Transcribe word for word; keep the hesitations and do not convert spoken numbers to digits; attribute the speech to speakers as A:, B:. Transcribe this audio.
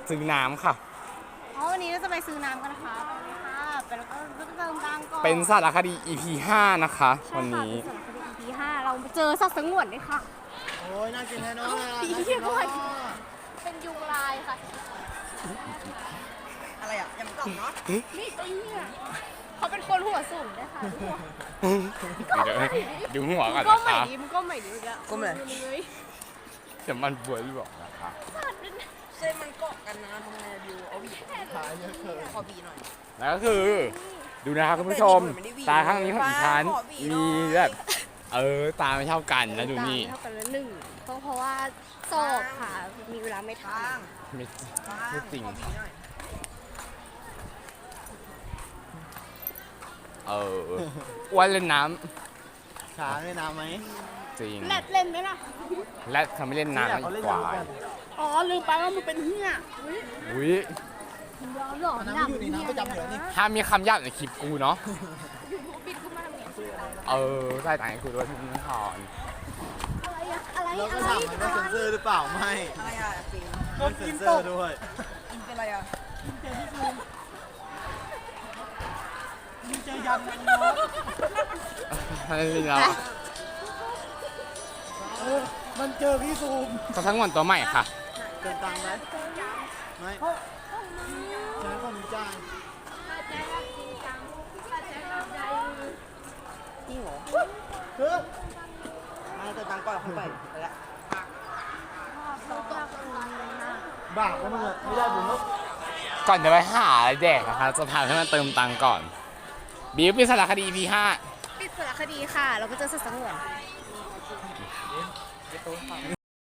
A: ซื้อน้ำค่ะ
B: อ๋อวันนี้เราจะไปซื้อน้ำกันนะคะไปเลยค่ะไปแล้วก็เติมตังค์ก่อน
A: เป็นสารคดี อี พี ห้านะคะวันนี้
B: ใช่ค่ะเป็นสารคดี อี พี ห้าเราเจอสัตว์สงวนด้วยค่ะ
C: โอ้ยน่ากินแน่นอน
B: ปี
C: น่ากิน
B: เทียบ
C: เนาะ
B: เป็นยุงลายค่ะ
C: อะไรอ่ะยังกล่องเนาะ
B: นี่ตัวเนี่ยเขาเป็นคนหัวสูงด้วยค่ะ
A: ดูหัวก่อน
B: ก็
A: นะ
B: ใหม่
A: คะ
B: ดีมันก็ใหม่ดีอีกแล้วก็ใหม่เลย
A: จะมันบวยหรือเปล่านะคะ
C: เส้นมันเกาะกันนะทำไงดิวเอาบีขายเยอะเกินขอบีหน่อย
A: แล้วก็คือดูนะครับคุณผู้ชมตาข้างนี้ของอีชันมีแบบเออตาไม่เท่ากันแล้วดูนี่
B: เท่ากันแล้วหนึ่งเพราะเพราะว่าสอบค่ะมีเวลาไม่ทัน
A: ไม่ไม่จริงเอออ้วนเล่นน้
C: ำขาเล่นน้ำไหม
A: จริง
B: แรดเล่นไหมล่ะ
A: และเขาไม่เล่นน้ำอีกกว่า
B: อ๋อลืมไปว่ามันเป็นเหี้ย
A: อุ้ย
B: ย้อนหลอน
C: น้ำอยู่ในน้ำประจำอยู่นี่
A: ถ้ามีคำหยาบในคลิปกูเนาะ
B: บิดขึ้นมาทำไง
A: เออใส่ต่างให้กูด้วยพี่นิทอน
B: อะไรอะไร
C: เราก็ถามมันว่าเซ็นเซอร์หรือเปล่าไม่อะไรอ่ะจริงมันเซ็นเซอร์ด้วยกินเป็นอะไรอ่ะกินเจอที่ซูมกินเจอยำมันเนาะ
A: ให้เรา
C: มันเจอพี่ซูม
A: เขาทั้งวันตัวใหม่ค่ะ
C: เกินตังค์ไหมไม่ใช้คนจ้างจริงเหรอคือมาเกินตังค์ก่อนขึ้นไปแล้วบ้าแล้วมันไม่ได้บุญลูก
A: ก่อนจะไปหาอะไรแดกนะคะจะพาให้มันเติมตังค์ก่อนบิวเป็นสารคดี อี พี ห้า
B: ปิดสารคดีค่ะเราก็เจอสัตว์สงวน